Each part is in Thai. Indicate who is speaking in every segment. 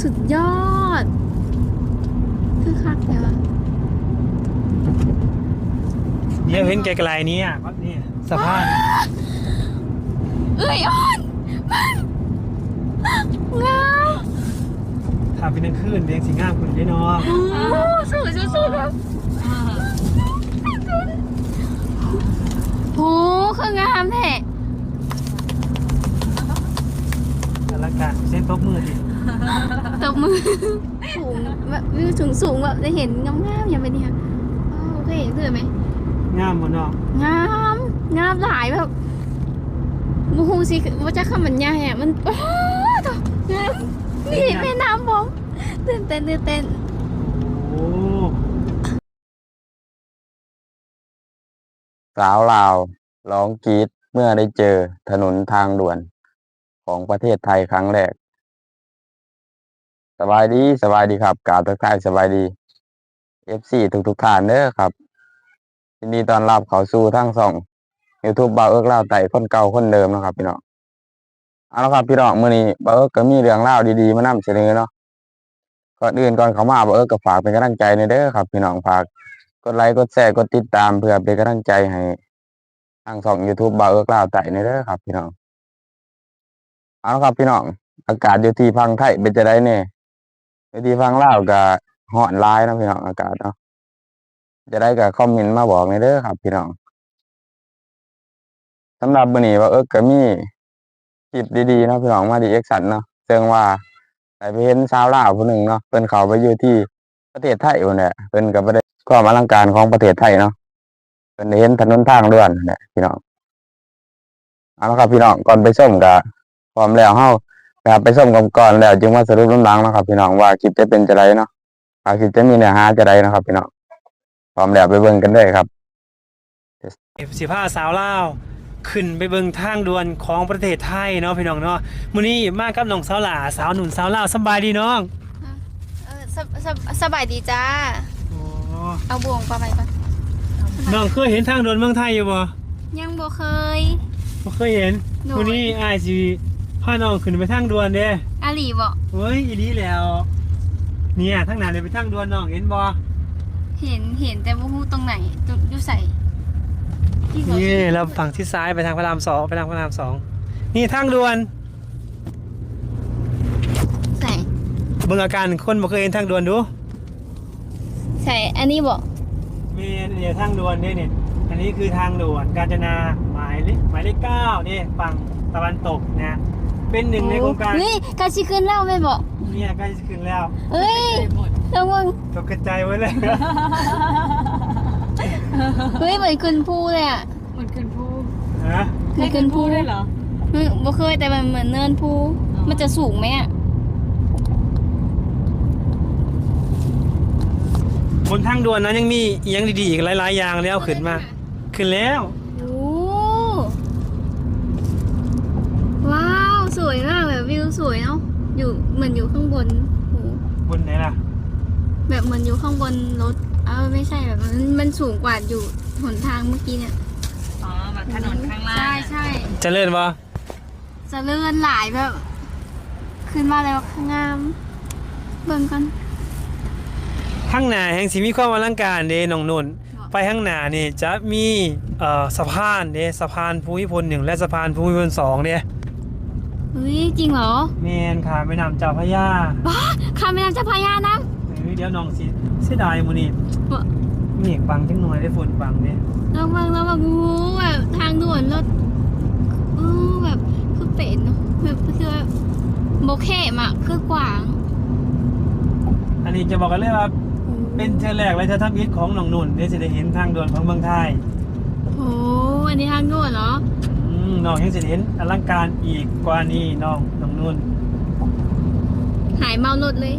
Speaker 1: สุดยอดคือคักเลยวะ
Speaker 2: เดี๋ยวเห็นไกลๆนี้ก็นี่สะพาน
Speaker 1: เอ้ยอ่อนมันงาม
Speaker 2: ถ้าเป็นกลางคืนเรียงสีงามคุณได้น้อง
Speaker 1: สวยสุดๆครับโอ้คืองามแท้
Speaker 2: อลังการเส้นตบมือดิ
Speaker 1: ตบมือสูงแบบวิวสูงแบบได้เห็นงามๆอย่างเป็นนี่ค่ะโอเคเห็นไหม
Speaker 2: งามหมดเนาะ
Speaker 1: งามหลายแบบมูฮูสิว่าจะคำบรรยายอ่ะมันโอ้ตงามนี่แม่น้ำผมตื่นเต้น
Speaker 2: โอ้
Speaker 3: สาวลาวร้องกรี๊ดเมื่อได้เจอถนนทางด่วนของประเทศไทยครั้งแรกสบายดีครับกราบทักทายสบายดี FC ทุกท่านเด้อครับยินดีต้อนรับเข้าสู่ทั้งช่อง YouTube บ่าวเอิ้กลาวไต่คนเก่าคนเดิมนะครับพี่น้องเอาละครับพี่น้องมื้อนี้บ่าวเอิ้กก็มีเรื่องราวดีๆมานำเสนอเนาะก่อนอื่นก่อนเข้ามาบ่าวเอิ้กก็ฝากเป็นกำลังใจหน่อยเด้อครับพี่น้องฝากกดไลค์กดแชร์กดติดตามเพื่อเป็นกำลังใจให้ทางช่อง YouTube บ่าวเอิ้กลาวไต่หน่อยเด้อครับพี่น้องเอาละครับพี่น้องอากาศอยู่ที่พังไทยเป็นจังได๋แน่อยู่ที่พังลาวก็ร้อนหลายเนาะพี่น้องอากาศเนาะจะได้ก็คอมเมนต์มาบอกหน่อยเด้อครับพี่น้องสำหรับมื้อนี้บ่าวเอิ้กก็มีคลิปดีๆเนาะพี่น้องมารีแอคชั่นเนาะซึ่งว่าได้ไปเห็นชาวลาวผู้หนึ่งเนาะเพิ่นเข้าไปอยู่ที่ประเทศไทยพุ่นแหละเพิ่นก็บ่ได้ความอลังการของประเทศไทยเนาะเพิ่นได้เห็นถนนทางด่วนนั่นแหละพี่น้องเอาละครับพี่น้องก่อนไปชมก็พร้อมแล้วเฮาไปชมกันก่อนแล้วจึงมาสรุปน้ำหลังนะครับพี่น้องว่าคลิปจะเป็นจังไดเนาะคลิปจะมีเนื้อหาจังไดนะครับพี่น้องพร้อมแล้วไปเบิ่งกันเลยครับ
Speaker 2: 15สาวลาวขึ้นไปเบิ่งทางด่วนของประเทศไทยเนาะพี่น้องเนาะมื้อนี้มากับน้องสาวหลาสาวหนุ่นสาวลาวสบายดีน้อง
Speaker 1: สบายดีจ้าเอาบ่วงปลาไปก่อน
Speaker 2: น้องเคยเห็นทางด่วนเมืองไทยอยู่บ่
Speaker 1: ยังบ่เคย
Speaker 2: เห็นมื้อนี้อ้ายสิพาน้องขึ้นไปทางด่วนเด้
Speaker 1: อาหลีบ่
Speaker 2: เฮ้ยอีหลีแล้วเนี่ยทางหน้าเลยไปทางด่วนน้องเห็นบ่
Speaker 1: เห็นแต่บ่ฮู้ตรงไหนจุดอยู่ไส
Speaker 2: นี่เราฝั่งที่ซ้ายไปทางพระราม2นี่ทางด่วน
Speaker 1: ใส่
Speaker 2: เบิ่งอาการคนบ่เคยเห็นทางด่วนดู
Speaker 1: ใส่อันนี้บ่
Speaker 2: มีเนี่ยทางด่วนนี่อันนี้คือทางด่วนกาญจนาหมายเลข9นี่ฝั่งตะวันตกนะเป็นหนึ่งในโครงการ
Speaker 1: นี่กาสิขึ้นแล้วแม่บ่
Speaker 2: เนี่ยใกล้จะขึ้นแล้ว
Speaker 1: เอ้ยระวัง
Speaker 2: ตกกระจายไว้เลย
Speaker 1: เฮ้ยเหมือนขึ้นภูเลยอ่ะ
Speaker 4: เหมือนขึ้นภู
Speaker 2: ฮะ
Speaker 1: เหมือนขึ้นภู
Speaker 4: ได้เหรอ
Speaker 1: บ่เคยแต่มันเหมือนเนินภูมันจะสูงไหมอ่ะ
Speaker 2: บนทางด่วนนั้นยังมียังดีๆอีกหลายๆอย่างแล้วขึ้นแล้ว
Speaker 1: โอ้ว้าวสวยมากแบบวิวสวยเนาะอยู่เหมือนอยู่ข้างบน
Speaker 2: บนไหนล่ะ
Speaker 1: แบบเหมือนอยู่ข้างบนรถไม่ใช่แบบมันสูงกว่าอยู่หนทางเมื่อกี้เนี่ย
Speaker 4: อ๋อแบบถนนข้างล่าง
Speaker 1: ใช่
Speaker 2: จะเลื่อนปะ
Speaker 1: จะเลื่อนหลายแบบขึ้นมาแล้วข้างงามเบิ่งกัน
Speaker 2: ข้างหน้าแห่งสิมีความอลังการเด้น้องนุ่นไปข้างหน้านี่จะมีสะพานเด้สะพานภูมิพล1และสะพานภูมิพล2เด้
Speaker 1: เฮ้ยจริงเหรอ
Speaker 2: แม่นค่ะแม่น้ำเจ้าพระยา
Speaker 1: บ้าข้ามแม่น้ำเจ้าพระยานะ
Speaker 2: เดี๋ยวน้องสิเสียดายมื้อนี้เมฆบังจังหน่อยได้ฝนบังเด้
Speaker 1: ระวังแบบทางด่วนรถแบบคือเป็ดเนาะแบบคือโบแคมอ่ะคือกว้าง
Speaker 2: อันนี้จะบอกกันเลยว่าเป็นเทื่อแรกเลยที่ทำอิฐของน้องนุ่นได้สิได้เห็นทางด่วนของเมืองไทย
Speaker 1: โอ้อันนี้ทางด่วนเหรอ
Speaker 2: น้องยังสิได้เห็นอลังการอีกกว่านี้น้องนุ่น
Speaker 1: หายเมารถเลย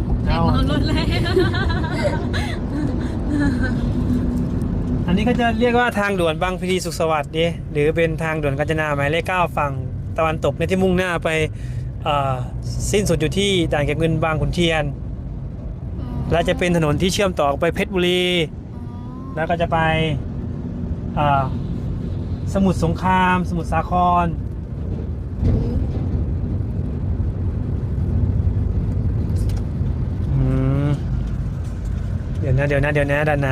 Speaker 2: อันนี้ก็จะเรียกว่าทางด่วนบางพลีสุขสวัสดิ์ดิหรือเป็นทางด่วนกาญจนาหมายเลข9ฝั่งตะวันตกในที่มุ่งหน้าไปสิ้นสุดอยู่ที่ด่านเก็บเงินบางขุนเทียนและจะเป็นถนนที่เชื่อมต่อไปเพชรบุรีแล้วก็จะไปสมุทรสงครามสมุทรสาครเดี๋ยวนะด้านหน้า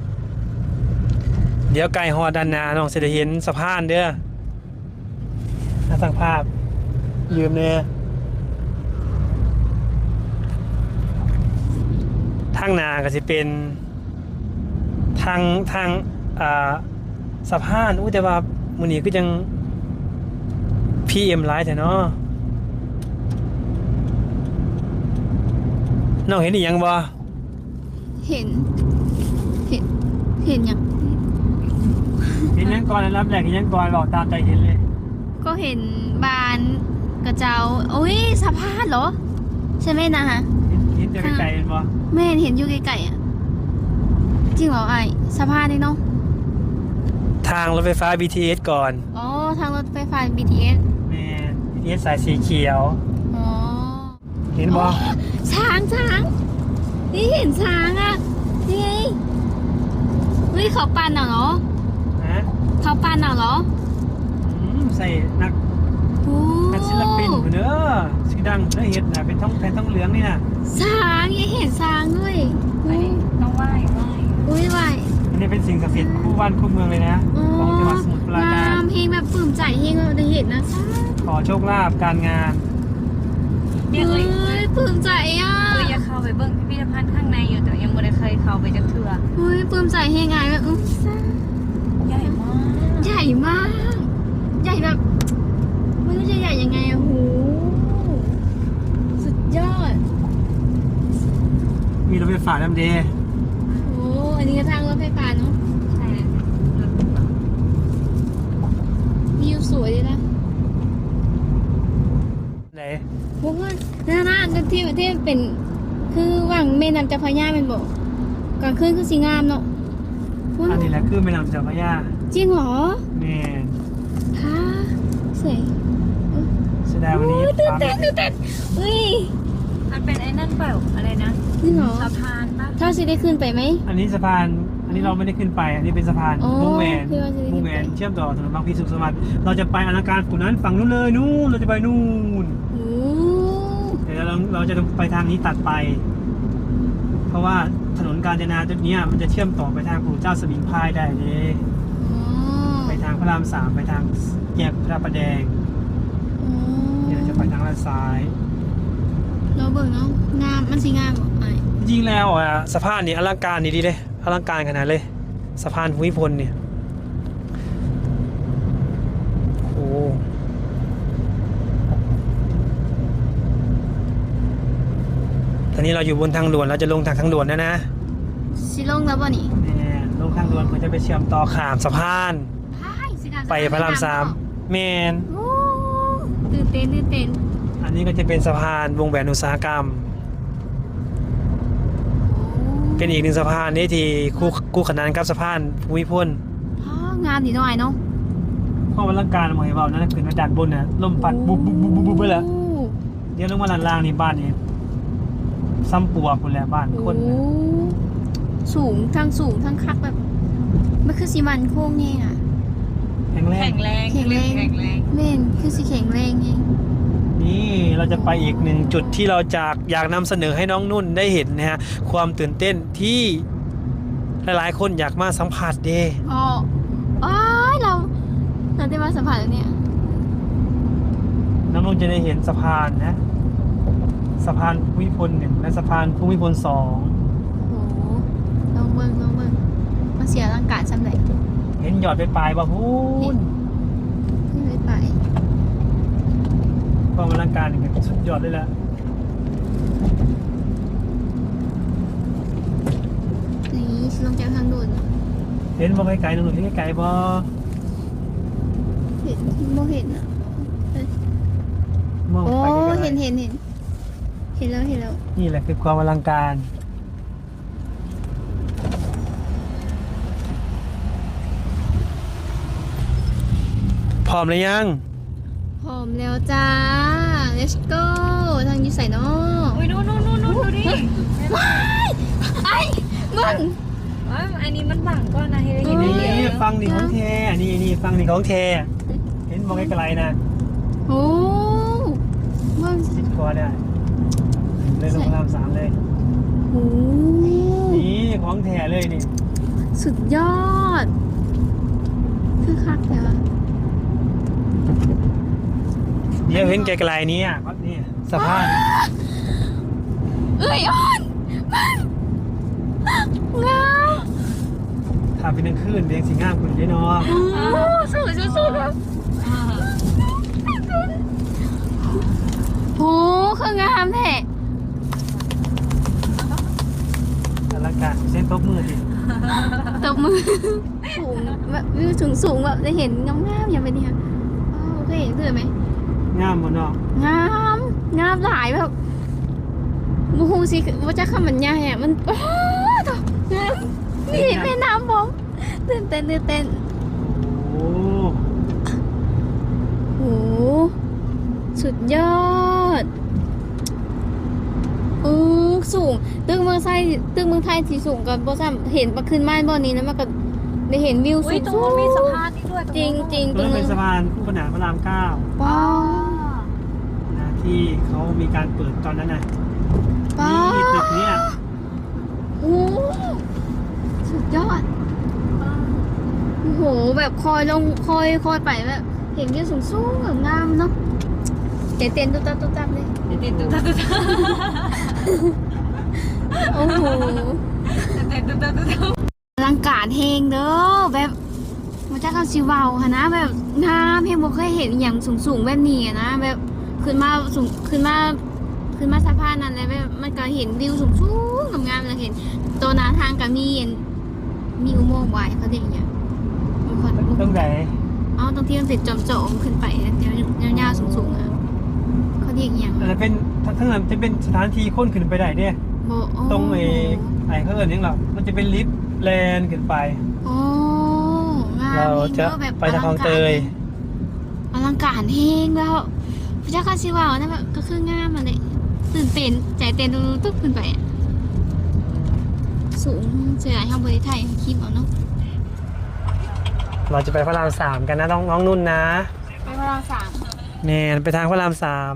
Speaker 2: เดี๋ยวไกลฮอดด้านหน้าน้องสิได้เห็นสะพานเด้อถ้าสั่งภาพยืมเนี่ยทางหน้าก็สิเป็นทางสะพานอุ้ยแต่ว่ามื้อนี้ก็ยัง PM หลายแท้เนาะน้องเห็นอีหยังบ่
Speaker 1: เห็นยัง
Speaker 2: เห็นหยังก่อนรับแรกเห็นหยังก่อนบอกตามใจเห็นเลย
Speaker 1: ก็เห็นบานกระเจ้าโอ้ยสะพานเหรอ ใช่ไหมนะฮะ
Speaker 2: เห็นจะไกลๆเห็นบ่
Speaker 1: แม่เห็นอยู่ไกลๆอ่ะจริงเหรอไอ้สะพานนี่เนาะ
Speaker 2: ทางรถไฟฟ้า BTS ก่อน
Speaker 1: อ๋อทางรถไฟฟ้า BTS
Speaker 2: แม่น BTS สายสีเขียว
Speaker 1: อ๋อ
Speaker 2: เห็นบ่
Speaker 1: ช้างนี่เห็นช้างอ่ะนี่ไงเฮ้ยเขาปั่นเหรอ
Speaker 2: ฮะ
Speaker 1: เขาปั่นเหรอ
Speaker 2: ใส่นัก
Speaker 1: โอ้
Speaker 2: นักศิลปินพุ่นเด้อชื่อดังได้เฮ็ดน่ะเป็นท้องแผ่นท้องเหลืองนี่น่ะ
Speaker 1: ช้างยังเห็นช้างด้วย
Speaker 4: ไปต้องไหว้
Speaker 1: อุ้ยไหว
Speaker 2: อันนี้เป็นสิ่งศักดิ์สิทธิ์คู่บ้านคู่เมืองเลยนะของจังหวัดสมุทรปราการ
Speaker 1: งามเพลงแบบปลื้มใจเพลงแบบได้เห็นนะช้าง
Speaker 2: ขอโชคลาภการงาน
Speaker 4: เนี่ย
Speaker 1: เฮ้ยปลื้มใจอ่ะ
Speaker 4: อยากเข้าไปเบิ่งพิพิธภัณฑ์ข้างในอยู่แต่ยังไม่ได้เคยเข้าไปจักเทื่อ
Speaker 1: เฮ้ยปลื้มใจเฮงไงแบบ
Speaker 4: ใหญ่มาก
Speaker 1: ใหญ่มาก ใหญ่แบบไม่รู้จะใหญ่ยังไงอะโหสุดยอด
Speaker 2: มีรถไฟฟ้าลำเด
Speaker 1: โอ้อันนี้ก็ทางรถไฟฟ้าเนาะ
Speaker 4: ใช่
Speaker 1: วิวสวยดีนะ
Speaker 2: ไหน
Speaker 1: พวกว่าหน้าที่เป็น คือว่างแม่น้ำเจ้าพระยาเป็นบอกกลางคืนคือสีงามเนาะว้า
Speaker 2: อั
Speaker 1: วน
Speaker 2: นี้แหละคือแม่น้ำเจ้าพระยา
Speaker 1: จริงเหรอ
Speaker 2: แม่น
Speaker 1: ค่ะสวย
Speaker 2: แสดงวันนี้
Speaker 1: โอ้ยตื่น
Speaker 2: ฟ้า
Speaker 1: เต้นอุ้ย
Speaker 4: มันเป็นไอ้นั่นเปล่าอะไรนะ
Speaker 1: จริงเหรอ
Speaker 4: สะพานปะ
Speaker 1: ถ้าสิได้ขึ้นไปไหม
Speaker 2: อันนี้สะพาน อันนี้เราไม่ได้ขึ้นไป อันนี้เป็นสะพาน
Speaker 1: อ๋อ
Speaker 2: วงแหวน
Speaker 1: คือว่าจะได้ขึ้นไป
Speaker 2: วงแหวนเชื่อมต่อถนนบางพลีสุขสวัสดิ์เราจะไปอลังการฝั่งนั้นฝั่งนู้นเลยนู่นเราจะไปนู่น
Speaker 1: โอ้
Speaker 2: เดี๋ยวเราจะไปทางนี้ตัดไป เพราะว่าถนนกาญจนาจุดเนี้ยมันจะเชื่อมต่อไปทางปู่เจ้าสมิงพรายได้เลย
Speaker 1: อ๋อ
Speaker 2: ไปทางพระราม 3ไปทางแยกพระประแดง
Speaker 1: อ๋อ
Speaker 2: เดี๋ยวเราจะไปทางด้านซ้าย
Speaker 1: เราเบิ่งเนาะงามมันสิงามบ่ไอ้
Speaker 2: จริงๆแล้วอ่ะสะพานนี่อลังการดีเลยอลังการขนาดเลยสะพานภูมิพลเนี่ยโอ้ตอนนี้เราอยู่บนทางด่วนเราจะลงทางด่วนนะ
Speaker 1: สิลงแล้วบ่นี่
Speaker 2: เนี่ยลงทางด่วนมันจะไปเชื่อมต่อขามสะพาน
Speaker 1: สิงาม
Speaker 2: ไปพระราม 3แมน
Speaker 1: โอ้ตื่นเต้น
Speaker 2: อันนี้ก็จะเป็นสะพานวงแหวนอุตสาหกรรม เป็นอีกหนึ่งสะพานนี่ที่คู่ขนานกับสะพานภูมิพล
Speaker 1: อ๋องามดีหน่อยเนาะ
Speaker 2: ข้อวัลังการหมายว่านั่นคือมาด้านบนน่ะลมพัดบุบไปแล้วเดี๋ยวลงมาด้านล่างนี่บ้านนี่ซ้ำปัวพุ่นแหละบ้านคน
Speaker 1: โอ้
Speaker 2: น่ะ
Speaker 1: สูงทั้งคักแบบมันคือสิมันโค้งแฮงอ่ะ
Speaker 2: แข็งแรง
Speaker 4: แข็งแรง
Speaker 1: แข็งแรง
Speaker 4: แข็งแรง
Speaker 1: แม่นคือสิแข็งแรงแฮง
Speaker 2: นี่เราจะไปอีกหนึ่งจุดที่เราอยากนำเสนอให้น้องนุ่นได้เห็นนะฮะความตื่นเต้นที่หลายๆคนอยากมาสัมผัสเด้
Speaker 1: อ๋ออ้ายเราได้มาสัมผัสแล้วเนี่ย
Speaker 2: น้องนุ่นจะได้เห็นสะพานนะสะพานภูมิพล1และสะพานภูมิพล2
Speaker 1: โอ้ลองเบิ่งมาเสียร่างกายสำเร็จ
Speaker 2: เห็นหยอดไปปลายบ่พูน
Speaker 1: ขึ้นไป
Speaker 2: ความอลังการนี่เป็นสุดยอดเลยล่ะ
Speaker 1: นี่สิลงจากทางด่วน
Speaker 2: เห็นบ่ไกลๆน้องนุ่นเห็นไกลๆบ่
Speaker 1: เห็นบ่เห็นอ่ะ
Speaker 2: มอง
Speaker 1: โอ้
Speaker 2: ไปไกลๆ
Speaker 1: เห็นแล้ว
Speaker 2: นี่แหละคือความอลังการพร้อมหรือยัง
Speaker 1: พร้อมแล้วจ้า let's go ทางอยู่ใส่เนาะ
Speaker 4: อุ้ยนู่นดูดิ
Speaker 1: ไอ้มึง
Speaker 4: อันนี้มันบังก็นะให้ได้เห็น
Speaker 2: นี่
Speaker 4: เดียว
Speaker 2: ฟังนี่ของแท้นี่ฟังนี่ของแท้เห็นมองไกลๆนะ
Speaker 1: โอ้มึง
Speaker 2: สิบกว่าเนี่ยเลยลงพระราม 3เลย
Speaker 1: โอ้
Speaker 2: นี่ของท้ๆเลยนี่
Speaker 1: สุดยอดคือคักเลยวะ
Speaker 2: เดี๋ยวเห็นไกลๆนี้ก็นี่สะพาน
Speaker 1: เอ้ยอ่อนงาม
Speaker 2: ทำเป็นกลางคืนเลี้ยงสีงามคุณได้เนาะ
Speaker 1: โอ้สวยสุดๆครับโอ้คืองามแท้
Speaker 2: อลังการเส้นตบมือดิ
Speaker 1: ตบมือสูงแบบวิวสูงแบบได้เห็นงามๆอย่างเป็นเนี่ยโอเคเห็นเลยไหม
Speaker 2: งามหมดเนาะ
Speaker 1: งามหลายแบบมูฮูสิว่าจะคำบรรยายอ่ะมันโอ้ตงามนี่แม่น้ำผมตื่นเต้น
Speaker 2: โอ้
Speaker 1: โหสุดยอดสูงตึกเมืองไทยที่สูงกับบ่ซ้ำเห็นมาขึ้นม่านบ่อนี้นะมันก็ได้เห็นวิว
Speaker 4: อุ้
Speaker 1: สู
Speaker 4: ย
Speaker 1: ง
Speaker 4: ตรงนู้นมีสะพานนี่ด้วย
Speaker 1: จริงต
Speaker 2: ต
Speaker 1: ร
Speaker 2: รง งนั้น
Speaker 1: นึ
Speaker 2: เป็น
Speaker 1: ง
Speaker 2: สะพานคู่ขนานพระราม 9
Speaker 1: ป้า
Speaker 2: นะที่เขามีการเปิดตอนนั้นน่ะ
Speaker 1: ป้า
Speaker 2: นี่ตึกเนี้ย
Speaker 1: โอ้สุดยอดโอ้โหแบบคอยลงคอยไปแบบเห็นวิวสูงแบบงามเนาะใจเต้นตุ๊บๆเลย
Speaker 4: ติดตุ๊ด
Speaker 1: โอ้โห
Speaker 4: ติดตุ๊ด
Speaker 1: อลังการเฮงเด้อแบบมันจะเข้าซิเวาค่ะนะแบบงามเฮงบ่เคยเห็นอย่างสูงแบบนี้อะนะแบบขึ้นมาสูงขึ้นมาสะพานนั่นเลยแบบมันก็เห็นวิวสูงงามๆเลยเห็นตัวหน้าทางก็มีอุโมงค์ไว้เขาเรียกอย่างเงี้ยมันคน
Speaker 2: ต้องไหน
Speaker 1: เอาตรงที่มันเป็นจอมๆขึ้นไปยาวๆสูงๆอะเขาเรียกอย่าง
Speaker 2: แต่เป็นทั้งนั้นจะเป็นสถานที่ค้นขึ้นไปได้เนี่ย
Speaker 1: โบโอ้
Speaker 2: ตรงไอ้เขาเอิ้นหยังหรอมันจะเป็นลิฟต์แลนขึ้นไป
Speaker 1: โอ้งาม
Speaker 2: เราจะ
Speaker 1: แบบ
Speaker 2: ไปทางคลองเตย
Speaker 1: อลังการเฮงแล้วพระเจ้าคาซิวาวนะแบบก็คืองามมาเลยตื่นเต้นใจเต้นตุ๊บขึ้นไปอะสูงเสียทางบริไทยคลิปเอาเนาะ
Speaker 2: เราจะไปพระราม 3 กันนะน้องนุ่นนะ
Speaker 1: ไปพระราม
Speaker 2: แน่ไปทางพระราม
Speaker 1: 3อ๋อ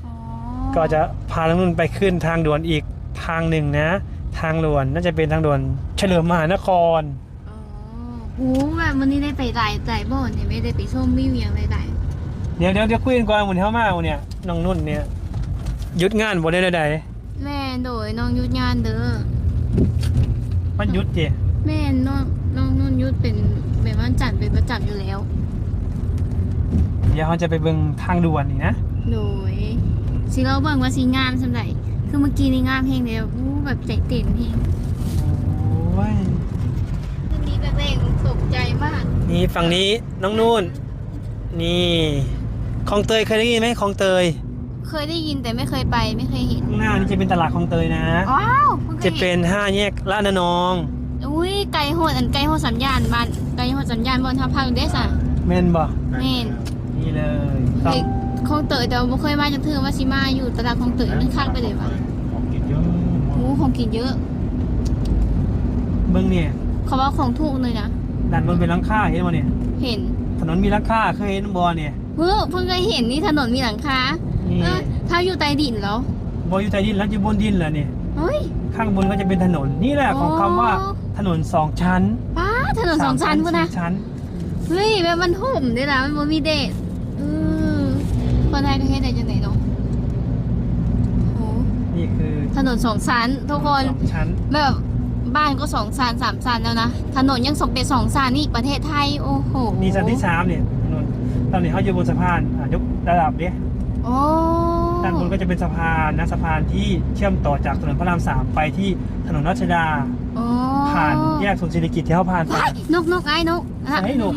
Speaker 2: 3 ก็จะพาน้องนุ่นไปขึ้นทางด่วนอีกทางหนึ่งนะ ทางด่วนน่าจะเป็นทางด่วนเฉลิมมหานคร
Speaker 1: อ๋อโหแบบวันนี้ได้ไปหลายบ่อนเนี่ยไม่ได้ไปชมวิวอย่างไร
Speaker 2: เดี๋ยวคุยกันก่อนหมุนเท้ามาเนี่ยน้องนุ่นเนี่ยหยุดงานบ่ได้ใด
Speaker 1: แม่โดยน้องยุทธงานเด้อ
Speaker 2: ๆมันหยุดเจ
Speaker 1: แม่น้องนุ่นยุทธเป็นแบบวันจันทร์เป็นประจำอยู่แล้ว
Speaker 2: เดี๋ยวเขาจะไปเบิ่งทางด่วนนี่นะ
Speaker 1: โดยสิเราเบิ่งว่าสิงามสำหรับคือเมื่อกี้นี่งามเพลงเดียวแบบใจเต้นเพลง
Speaker 2: โอ้ย
Speaker 1: คืนนี้แบบเองตกใจมาก
Speaker 2: นี่ฝั่งนี้น้องนุ่นนี่คลองเตยเคยได้ยินไหมคลองเตย
Speaker 1: เคยได้ยินแต่ไม่เคยไปไม่เคยเห็น
Speaker 2: ข้างหน้านี่จะเป็นตลาดคลองเตยนะ
Speaker 1: ว้าวพิ่งค
Speaker 2: จะ
Speaker 1: ยห็
Speaker 2: เป็น5 แยกลาดนานอง
Speaker 1: อุ้ยไก่โหดไก่โหดสัญญาณบ้านไก่โหดสัญญาณบนทับพังเดสอ่ะ
Speaker 2: แม่นบ่
Speaker 1: แม่น
Speaker 2: นี่เลยต้
Speaker 1: เฮ้
Speaker 2: อง
Speaker 1: ยคลองเตยแต่ว่าบ่เคยมาจากเธอว่าสิมาอยู่ตลาดคลองเตยมันคักไปเลยวะ
Speaker 2: ของกินเยอะ
Speaker 1: โอ้ของกินเยอะ
Speaker 2: เบิ่งเนี่ย
Speaker 1: เขาว่าของถูกเลยนะ
Speaker 2: ด้านบนเป็นหลังคาเห็นบ่เนี่ย
Speaker 1: เห็น
Speaker 2: ถนนมีหลังคาเคยเห็นบ่เนี่ย
Speaker 1: เพิ่งเคยเห็นนี่ถนนมีหลังคา
Speaker 2: นี่
Speaker 1: ถ้าอยู่ใต้ดินแล้ว
Speaker 2: บ่อยู่ใต้ดินแล้วอยู่บนดินแล้วเนี่ย
Speaker 1: เฮ้ย
Speaker 2: ข้างบนก็จะเป็นถนนนี่แหละของคำว่าถนน2 ชั้น
Speaker 1: ป้าถนนสองชั้นพุ่นนะ
Speaker 2: 4 ชั้น
Speaker 1: เฮ้ยแบบมันห่มด้วยนะมันบ่มีเดทคนไทยก็เฮ็ดได้จังไหนเนาะโอ้
Speaker 2: นี่คือ
Speaker 1: ถนนสองชั้นทุกคน
Speaker 2: 2 ชั้น
Speaker 1: แบบบ้านก็2 ชั้น 3 ชั้นแล้วนะถนนยังส่งเป็น2 ชั้นนี่ประเทศไทยโอ้โห
Speaker 2: นี่ชั้นที่3เนี่ยถนนตอนนี้เขาอยู่บนสะพานยกระดับเนี่ย
Speaker 1: โอ้
Speaker 2: ด้านบนก็จะเป็นสะพานนะสะพานที่เชื่อมต่อจากถนนพระราม 3 ไปที่ถนนรัชดา
Speaker 1: โอ้
Speaker 2: ผ่านแยกศูนย์เศรษฐกิจที่เขาผ่านไป
Speaker 1: ว้ายนกไอ้นกอ่ะ
Speaker 2: ไอ้หนก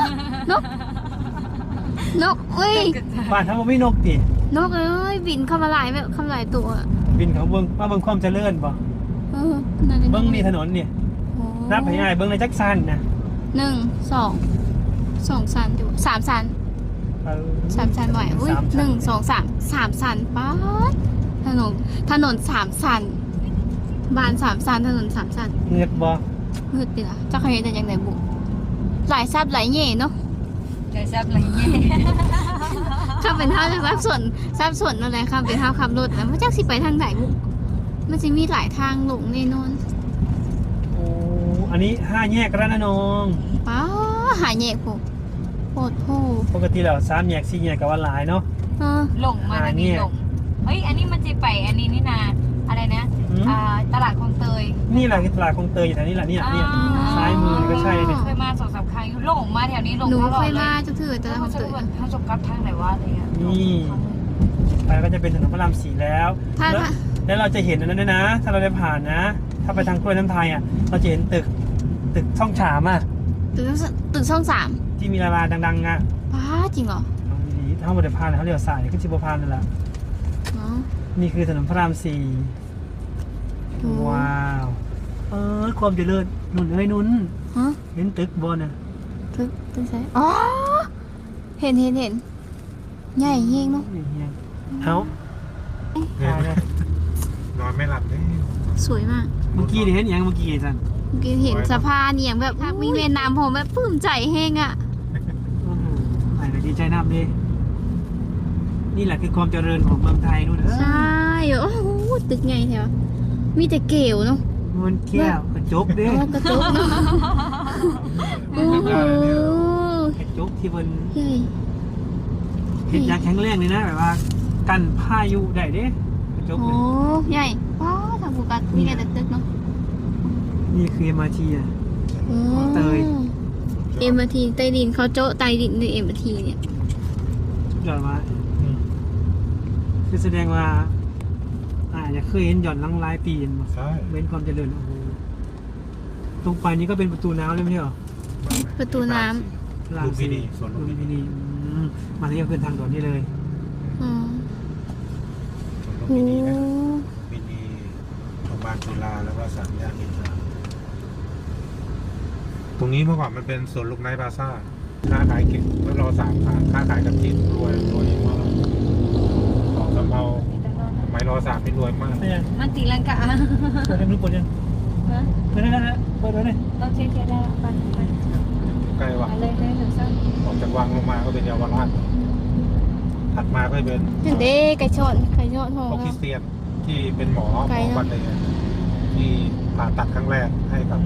Speaker 1: นกเอ้ย
Speaker 2: บ้านทั้งหมดไม่นกดิ
Speaker 1: นกเอ้ยบินเข้ามาหลายแบบเข้ามาหลายตัว
Speaker 2: บินเขาเบิ้งมาเบิ้งความเจริญป่ะ
Speaker 1: นั่นเลย
Speaker 2: เบิ้งนี่ถนนเนี่ย
Speaker 1: โอ้
Speaker 2: นับให้ง่ายเบิ้งในจักสันนะ
Speaker 1: 1 2 ชั้นอยู่3 ชั้น
Speaker 2: เออ
Speaker 1: 3 ชั้นบ่อยอุ้ย
Speaker 2: สามชั้น
Speaker 1: 1 2 3 ชั้นป๊าดถนน3 ชั้นบ้าน3 ชั้นถนน3 ชั้น
Speaker 2: เงือกบ่
Speaker 1: มืดดิล่ะเจ้าเคยเห็นแต่ยังไงบุหลายซับหลายเย่เนาะ
Speaker 4: ใจแซ่บอะไรเงี้ย
Speaker 1: ข้าเป็นเท่าจากซับส่วนอะไรข้าเป็นเท่าขับรถแล้วพระเจ้าสิไปทางไหนบุมันจะมีหลายทางหลงแน่นอน
Speaker 2: โอ้อันนี้5แยกระนอง
Speaker 1: ป้าหาแยกพวกโคตรโห
Speaker 2: ปกติแล้ว3แยก4แยกก็ว่าหลายเนาะ
Speaker 1: เออ
Speaker 4: หลงมาทางนี้หลงเฮ้ยอันนี้มันจะไปอันนี้นี่นาอะไรนะตลาดคลองเตย
Speaker 2: นี่แหละคือตลาดคลองเตยอยู่แถวนี้แหละเนี่ยซ้ายมือก็ใช่เนี่ย
Speaker 4: เคยมา2-3 ครั้งหลงมาแถวนี้หลง
Speaker 1: หนู
Speaker 4: ตลอ
Speaker 1: เค
Speaker 4: ด
Speaker 1: ย
Speaker 4: เล
Speaker 1: มาย จะถือแต่ละ
Speaker 4: ถ้า
Speaker 1: คน
Speaker 4: จะ
Speaker 1: ตื่น
Speaker 4: ถ้าจบกับทางไหนวะอะไรเงี้ย
Speaker 2: นี่ไปก็จะเป็นถนนพระราม4แล้ว
Speaker 1: ถ้า
Speaker 2: แล้วเราจะเห็นอันนั้นด้วยนะ ถ้าเราได้ผ่านนะ ถ้าไปทางกล้วยน้ำไทยอ่ะเราจะเห็นตึกช่องฉามอ่ะ
Speaker 1: ตึกช่อง3
Speaker 2: ที่มีดาราดังๆอ่ะ
Speaker 1: ป้าจริงเหรอ
Speaker 2: เอาดีๆถ้าเราได้ผ่านเขาเลี้ยวซ้ายก็ชิบผ่านนั่นแหละ
Speaker 1: เนาะ
Speaker 2: นี่คือถนนพระราม4
Speaker 1: โอ้
Speaker 2: ว้าวความเจริญนุ่นเอ้ยนุ่น
Speaker 1: ฮะ
Speaker 2: เห็นตึกบนอ่ะ
Speaker 1: ตึกใช่อ๋อเห็นใหญ่เฮงเนาะ
Speaker 2: เอาถ่ายเลย
Speaker 5: นอนไม่หลับเลย
Speaker 1: สวยมาก
Speaker 2: เมื่อกี้เห็นอย่างเมื่อกี้จัน
Speaker 1: เมื่อกี้เห็นสะพานอย่างแบบมีเวียดนามผมแบบปลื้มใจเฮงอ่ะ
Speaker 2: ไหนก็ดีใจน้ำดินี่แหละคือความเจริญของเมืองไทยนู่น
Speaker 1: ใช่โอ้โหตึกใหญ่แถวมีแต่เกลวเนาะ
Speaker 2: มันแก้วกระจกดิ
Speaker 1: โอ้กระจกเนาะโอ้โห
Speaker 2: กระจกที่มัน
Speaker 1: ใหญ่
Speaker 2: เห็นอย่างแข็งแรงเลยนะแบบว่ากันพายุได้เด้กระจก
Speaker 1: โอ้
Speaker 2: เลย
Speaker 1: ใหญ่ว้าวทางภูกัสมีแต่ตึกเนาะ
Speaker 2: นี่คือ MRT อ่ะ
Speaker 1: โอ้
Speaker 2: เตย
Speaker 1: MRT ใต้ดินเขาโจ๊ะใต้ดินใน MRT เนี่ย
Speaker 2: ยอดมาคือแสดงว่าจะเคยเห็นหย่อนลังลายปีนมา
Speaker 5: ใช่
Speaker 2: เว้นความเจริญโอ้โหตรงไปนี้ก็เป็นประตูน้ำเลยไม่ใช่เหรอ
Speaker 1: ประตูน้
Speaker 5: ลุมพินีสวนลุม
Speaker 2: ลุม
Speaker 5: พิ
Speaker 2: พิ
Speaker 5: นี
Speaker 2: นีมาที่ก็ขึ้นทางด่วนนี่เลย
Speaker 1: ำอ๋อ
Speaker 5: สวนลุม
Speaker 1: โอ้
Speaker 5: พินีนะพินีโรงพยาบาลจุฬาแล้วก็สามย่านมินทราตรงนี้เมื่อก่อนมันเป็นสวนลูกไนท์พลาซ่าค้าขายเก่งแล้วรอ3 ขาค้าขายกับจีนรวยมากของสำเภาสมัยรอ3นี่รวยมาก
Speaker 2: ไม่ยัง
Speaker 4: มันตีลังกา
Speaker 2: เปิดยังรู้เปิดยังเปิดได้แล้วเปิดไว้เลย
Speaker 4: เราเช็คได้ไปไป
Speaker 5: ใกล้วัง
Speaker 4: เลยถึงสั้น
Speaker 5: ออกจากวังลงมาก็เป็นเยาวราชถัดมาก็เป็น
Speaker 1: เห็นเด้ไก่ชนทอง
Speaker 5: พวกคริสเตียนที่เป็นหมอ
Speaker 1: ไกลเนอะ
Speaker 5: วันหนึ่งอะที่ผ่าตัดครั้งแรกให้กับ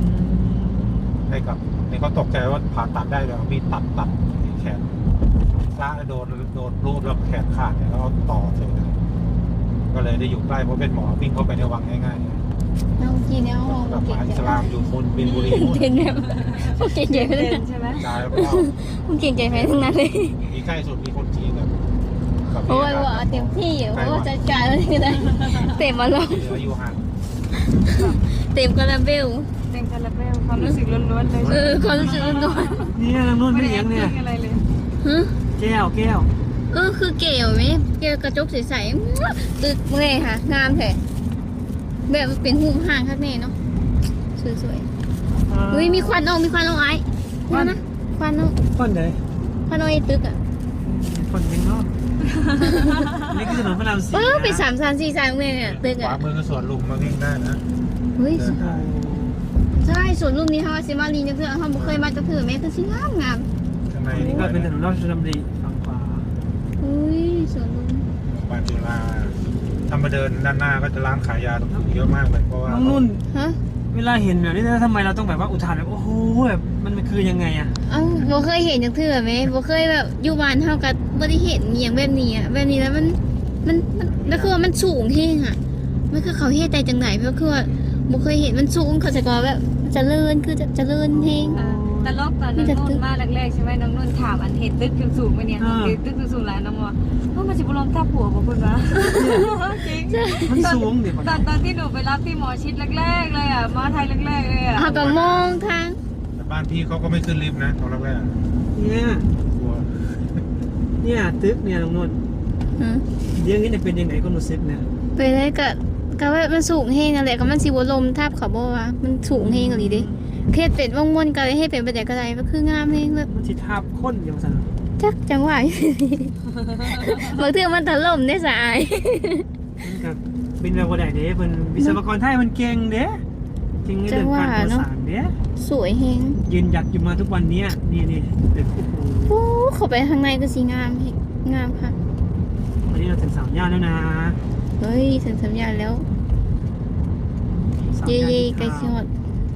Speaker 5: นี่เขาตกใจว่าผ่าตัดได้เลยเอามีดตัดแขนพระโดนรูดแล้วแขนขาดเนี่ยแล้วเอาต่อเสร็จเลยก็เลยได้อยู่ใกล้เพราะเป็นหมอวิ่งเข้าไปในวังง่าย
Speaker 1: น้องกินเนี่ยห้อง
Speaker 5: ๆแบบ
Speaker 1: เก่
Speaker 5: ม
Speaker 1: ง
Speaker 5: หาอิ
Speaker 1: ใจ
Speaker 5: สลามอยู่บนบินบุรีนู่น
Speaker 1: เด่นแบบพวกเก่งใจไปเลย
Speaker 4: ใช่ไหม
Speaker 5: ตายแล้วก็
Speaker 1: พวกเก่งใจไปทั้งนั้นเลย
Speaker 5: มีใกล้สุดมีคนจีนกับ
Speaker 1: โอ้ยว่าเต็มที่อยู่เพราะว่าจัดการอะไรก็ได้เต็มมาลง
Speaker 5: อายุห่าง
Speaker 1: เต็มกระเบล
Speaker 4: เต็มคาราเบลความรู้สึกล้วนๆเลย
Speaker 1: ความรู้สึกล้วน
Speaker 2: นี่ทางนู้น
Speaker 4: ไม่
Speaker 2: ไม่
Speaker 4: ได้
Speaker 2: เลี้ยงเนี่ย
Speaker 4: อะไรเลย
Speaker 1: ๆฮะ
Speaker 2: แก้ว
Speaker 1: คือเก๋วไหมเก๋วกระจกใสๆตึกเมื่อยค่ะงามแท้แบบเป็นหุ่มห่างข้างในเนาะสวยๆอุ้ยมีควันออกไอ้นี่นะควันออก
Speaker 2: ต้นไหน
Speaker 1: ควันออกไอ้ตึกอ่ะ
Speaker 2: คนยังนอกนี่คือถนนพระราม4
Speaker 1: ไป3-4-3เมื่อยเนี่ยตึก
Speaker 5: ข
Speaker 1: อ่ะ
Speaker 5: วามือก็สวนลุมมาวิ่งได้นะ
Speaker 1: เฮ้ย
Speaker 5: เดินได้
Speaker 1: ใช่สวนลุมนี้เขาซิมารีจังเถื่อเขาบ่เคยมาจังเถื่อแม่คือสิงาม
Speaker 5: ข้างใน
Speaker 2: นี่ก็เป็นถนนราชดำริฝั่งขวา
Speaker 1: อุ้ยสวนลุม
Speaker 5: บ้านจุฬาถ้ามาเดินด้านหน้าก็จะร้านขายยาตรงนี้เยอะมากเลยเพราะว่า
Speaker 2: น้องนุ่น
Speaker 1: ฮะ
Speaker 2: เวลาเห็นแบบนี้ทำไมเราต้องแบบว่าอุทานแบบโอ้โหแบบมันคือยังไงอ่ะ
Speaker 1: เอ้าบ่เคยเห็นจังเถื่อแม่บ่เคยแบบอยู่บ้านเฮาก็บ่ได้เห็นอหย่างแบบนี้อ่ะแบบนี้แล้วมันแล้วคือว่ามันสูงเฮงอ่ะมันคือเขาเฮ็ดได้จังไหนเพราะคือว่าบ่เคยเห็นมันสูงเขาจะก็แบบเจริญคือจะเจริญเฮง
Speaker 4: แต่รอบตอนน้องนุ่นมาแรกๆใช่ไหมน้องนุ่นถามอันเห็นตึกสูงๆไหมเนี่ยตึกสูงๆแล้วน้องว่ามันจะบุลมทับหัวของคุณวะจริง
Speaker 2: มันสูงดิ
Speaker 4: ตอนที่หนูไปรับที่หมอชิดแรกๆเลยอ่ะมาไทยแรกๆเลยอ่ะ
Speaker 1: เขาก็มองทาง
Speaker 5: แต่บ้านพี่เขาก็ไม่ขึ้นลิฟต์นะตอนแรก
Speaker 2: เนี่ย
Speaker 5: ๆกลัว
Speaker 2: เนี่ยตึกเนี่ยน้องนุ่น
Speaker 1: ฮะ
Speaker 2: เดี๋ยวนี้จะเป็นยังไงก็รู้สึกเนี่ย
Speaker 1: ไปได้ก็ว่ามันสูงเฮงนั่นแหละก็มันสิบ่ลมทับเขาบ่ว่ามันสูงเฮงอีหลีเด้เฮ็ดเป็นวงมนก็เลยเฮ็ดเป็นไปได้ก็ได้มันคืองามเฮงแบบ
Speaker 2: มันสิทาบค้นอย่างสั่น
Speaker 1: จักจังหวะ บางเทื่อมันถล่มได้สาย
Speaker 2: มันกับเป็นแบบว่าใดเด้เป็นวิศวกรไทยมันเก่งเด้เก่งในเรื่องการก่อสร้างเด้
Speaker 1: สวยเฮง
Speaker 2: ยืนหยัดอยู่มาทุกวันนี้นี่ตึกโอ้โห
Speaker 1: โอ้เข้าไปข้างในก็สิงามเฮงงามค่ะ
Speaker 2: วันนี้เราถึง3 ย่านแล้วนะ
Speaker 1: เฮ้ยถึงสัญญาณแล้ว
Speaker 2: 3
Speaker 1: เย่
Speaker 2: ย่าน
Speaker 1: เย่
Speaker 2: ที่
Speaker 1: ไกล
Speaker 2: ทาง
Speaker 1: ชิฮอด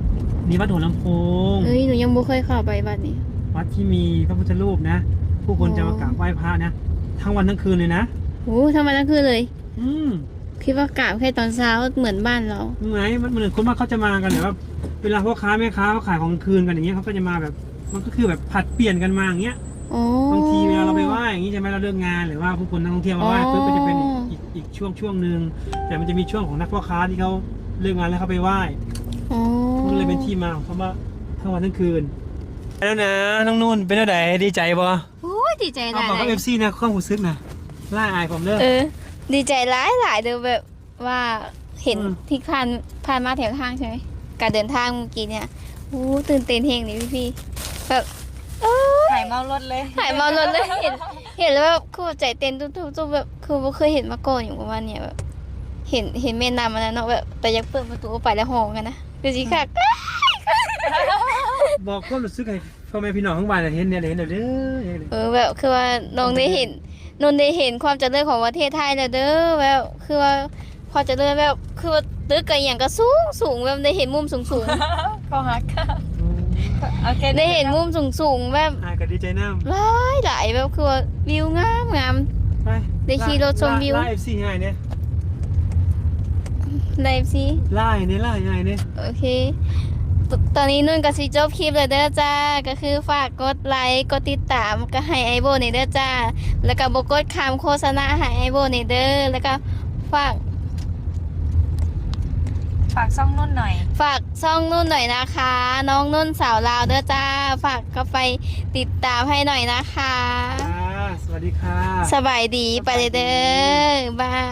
Speaker 2: มีวัดหัวลำโพง
Speaker 1: เอ้ยหนูยังบ่เคยเข้าไปบัดนี้
Speaker 2: วัดที่มีพระพุทธรูปนะ ผู้คนจะมากราบไหว้พระนะทั้งวันทั้งคืนเลยนะ
Speaker 1: โอ้ทำไมนั่นคือเลย
Speaker 2: อืม
Speaker 1: คิดว่ากราบแค่ตอนเช้าเหมือนบ้านเรา
Speaker 2: ไงมันเหมือนคนว่าเขาจะมากันแบบว่าเวลาพ่อค้าแม่ค้าเขาขายของกลางคืนกันอย่างเงี้ยเขาก็จะมาแบบมันก็คือแบบผัดเปลี่ยนกันมาอย่างเงี้ย
Speaker 1: อ๋อบ
Speaker 2: างทีเวลาเราไปไหว้อย่างงี้ใช่ไหมเราเลิกงานหรือว่าผู้คนนักท่องเที่ยวมาไหว้ปุ๊บก็จะเป็นอีกช่วงหนึ่งแต่มันจะมีช่วงของนักพ่อค้าที่เขาเลิกงานแล้วเขาไปไหว้
Speaker 1: อ๋อ
Speaker 2: มันเลยเป็นที่มาของคำว่าทั้งวันทั้งคืนแล้วนะน้องนุ่นเป็นอะไรดีใจบ่
Speaker 1: โอ้ยดีใจห
Speaker 2: เอา
Speaker 1: ลาย
Speaker 2: บอกกับ FC นะข้อมูลซึกนะล่าอายผมเด้อ
Speaker 1: ดีใจหลายเด้อแบบว่าเห็น
Speaker 2: อืม
Speaker 1: ที่ผ่านมาแถวทางใช่ไหมการเดินทางเมื่อกี้เนี่ยโอ้ตื่นเต้นเฮงเลยพี่ๆแบบเออ
Speaker 4: หายเมารถเลย
Speaker 1: หายเมารถเลยเห็นแล้วแบบคือใจเต้นตุ้มๆแบบคือบ่เคยเห็นมาก่อนอยู่ประมาณเนี้ยแบบเห็นแม่น้ำอันนั้นเนาะแบบแต่อยากเปิดประตูออกไปแล้วห้องกันนะคือสิค่ะ
Speaker 2: บอกความรู้สึกให้พ่อแม่พี่น้องทั้งบ้านน่ะเห็นเนี่ยเห็นเด้อเด้อ
Speaker 1: แบบคือว่าน้องได้เห็นนนได้เห็นความเจริญของประเทศไทยแล้วเด้อแบบคือว่าความเจริญแบบคือว่าตึกก็อย่างก็สูงแบบได้เห็นมุมสูง
Speaker 4: เขาฮักโอเค
Speaker 1: ๆได้เห็นมุมสูงแบบ
Speaker 2: อายก็ดีใจน้ำ
Speaker 1: หลายแบบคือว่าวิวงาม
Speaker 2: ไป
Speaker 1: ได้ขี่รถชมวิว
Speaker 2: ล่า FC ง่ายเนี่ย
Speaker 1: ไลฟ์สิ
Speaker 2: ล่าง่ายเนี่ย
Speaker 1: โอเคตอนนี้นุ่นกับซีจบคลิปเลยเด้อจ้าก็คือฝากกดไลค์กดติดตามก็ให้ไอโบนี่เด้อจ้าแล้วก็บกดคำโฆษณาให้ไอโบนี่เด้อแล้วก็ฝาก
Speaker 4: ฝากซ่องนุ่นหน่อย
Speaker 1: ฝากช่องนุ่นหน่อยนะคะ น้องนุ่นสาวลาวเด้อจ้า ฝากก็ไปติดตามให้หน่อยนะคะ
Speaker 2: สวัสดีค่ะ
Speaker 1: สบายดีไปเลยเด้อบาย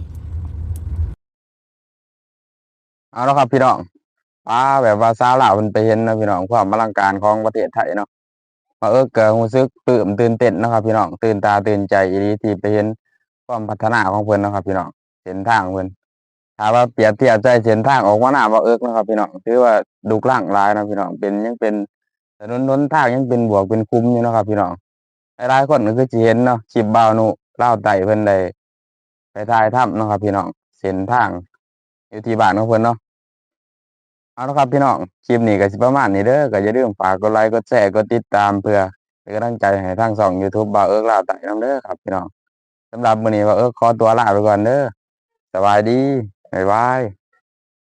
Speaker 3: เอาละครับพี่น้องป้าแบบว่าสาวลาวมันไปเห็นนะพี่น้องความอลังการของประเทศไทยเนาะมาเกิดรู้สึกปลื้มตื่นเต้นเนาะครับพี่น้องตื่นตาตื่นใจอีหลีที่ไปเห็นความพัฒนาของเพิ่นเนาะครับพี่น้องเส้นทางเพิ่นถ้าว่าเปรียบเทียบใจเส้นทางออกมาหน้าบ่เนาะครับพี่น้องถือว่าดุกร่างหลายเนาะพี่น้องเป็นยังเป็นถนนหนทางยังเป็นบวกเป็นคุ้มอยู่เนาะครับพี่น้องหลายๆคนก็คือสิเห็นเนาะคลิปบ่าวนุลาวไต่เพิ่นได้ไปถ่ายถ้ำเนาะครับพี่น้องเส้นทางอยู่ที่บ้านของเพิ่นเนาะ เอาละครับพี่น้องคลิปนี้ก็สิประมาณนี้เด้อก็อย่าลืมฝากกดไลค์กดแชร์กดติดตามเพื่อเป็นกำลังใจให้ทางช่อง YouTube บ่าวเอิ้กลาวไต่นํเด้อครับพี่น้องสำหรับมื้อนี้บ่าวเอิ้กขอตัวลาไปก่อนเด้อสบายดีบ๊ายบาย